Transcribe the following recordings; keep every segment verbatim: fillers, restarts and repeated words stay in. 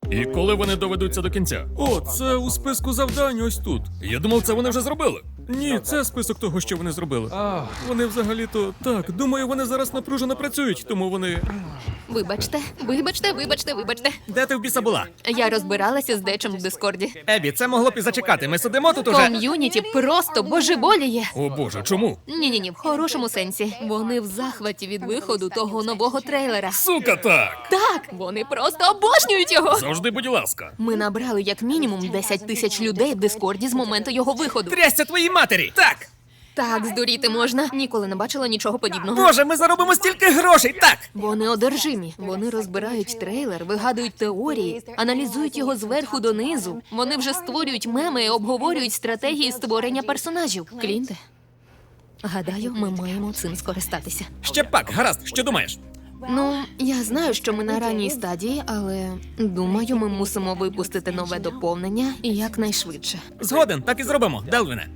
І коли вони доведуться до кінця? О, це у списку завдань ось тут. Я думав, це вони вже зробили. Ні, це список того, що вони зробили. Вони взагалі-то так. Думаю, вони зараз напружено працюють, тому вони. Вибачте, вибачте, вибачте, вибачте. Де ти в біса була? Я розбиралася з дечим в Дискорді. Ебі, це могло б і зачекати. Ми сидимо тут уже. Ком'юніті просто божеволіє. О боже, чому? Ні-ні-ні, в хорошому сенсі. Вони в захваті від виходу того нового трейлера. Сука, так! Так, вони просто обожнюють його. Завжди, будь ласка. Ми набрали як мінімум десять тисяч людей в Дискорді з моменту його виходу. Трясся твоїй матері! Так! Так, здуріти можна. Ніколи не бачила нічого подібного. Боже, ми заробимо стільки грошей! Так! Вони одержимі. Вони розбирають трейлер, вигадують теорії, аналізують його зверху донизу. Вони вже створюють меми і обговорюють стратегії створення персонажів. Клінте, гадаю, ми маємо цим скористатися. Ще пак, гаразд, що думаєш? Ну, я знаю, що ми на ранній стадії, але думаю, ми мусимо випустити нове доповнення і якнайшвидше. Згоден, так і зробимо, Делвіне.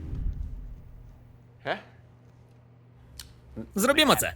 Зробімо це.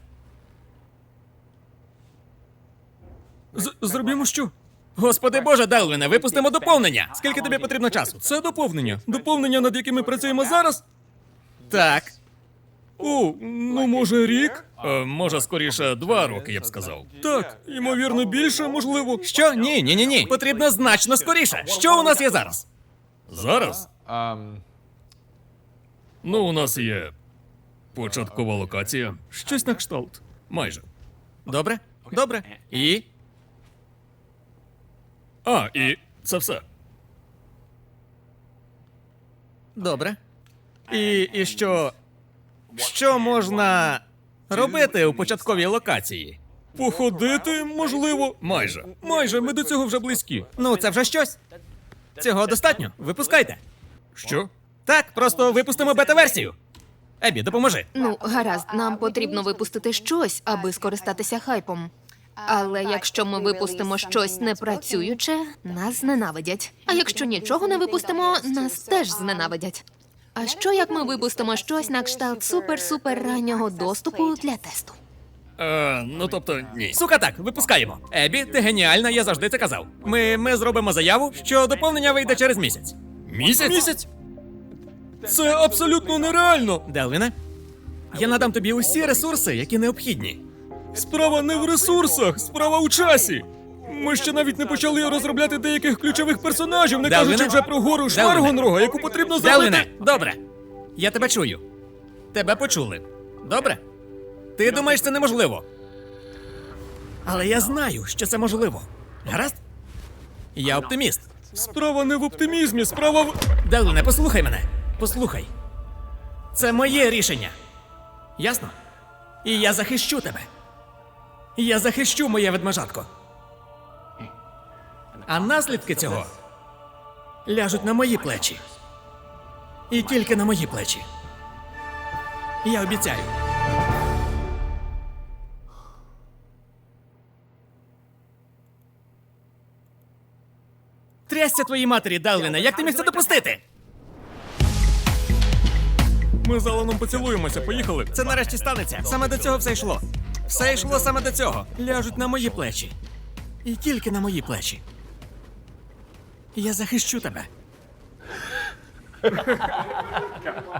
З- зробімо що? Господи Боже, Делвіне, випустимо доповнення. Скільки тобі потрібно часу? Це доповнення. Доповнення, над якими працюємо зараз? Так. О, ну може рік? Е, може, скоріше, два роки, я б сказав. Так, ймовірно, більше, можливо. Що? Ні, ні, ні, ні. Потрібно значно скоріше. Що у нас є зараз? Зараз? Um, Ну, у нас є початкова локація. Щось на кшталт. Майже. Добре? Добре. І? А, і це все. Добре. І, і що. Що можна робити у початковій локації? Походити, можливо. Майже. Майже, ми до цього вже близькі. Ну, це вже щось. Цього достатньо. Випускайте. Що? Так, просто випустимо бета-версію. Ебі, допоможи. Ну, гаразд, нам потрібно випустити щось, аби скористатися хайпом. Але якщо ми випустимо щось непрацююче, нас зненавидять. А якщо нічого не випустимо, нас теж зненавидять. А що як ми випустимо щось на кшталт супер-супер раннього доступу для тесту? Е, ну тобто, ні. Сука, так, випускаємо. Ебі, ти геніальна, я завжди це казав. Ми, ми зробимо заяву, що доповнення вийде через місяць. Місяць? Місяць? Це абсолютно нереально. Делвіне, я надам тобі усі ресурси, які необхідні. Справа не в ресурсах, справа у часі. Ми ще навіть не почали розробляти деяких ключових персонажів, не Делвіне? кажучи вже про гору Делвіне? Шваргонрога, яку потрібно Делвіне, зробити. добре. Я тебе чую. Тебе почули. Добре? Ти думаєш, це неможливо. Але я знаю, що це можливо. Гаразд? Я оптиміст. Справа не в оптимізмі, справа в. Делвіне, послухай мене. Послухай. Це моє рішення. Ясно? І я захищу тебе. Я захищу моє ведмежатко. А наслідки цього ляжуть на мої плечі. І тільки на мої плечі. Я обіцяю. Трясся твоїй матері, Делвіне, як ти міг це допустити? Ми з Аланом поцілуємося, поїхали. Це нарешті станеться. Саме до цього все йшло. Все йшло саме до цього. Ляжуть на мої плечі. І тільки на мої плечі. Я захищу тебе.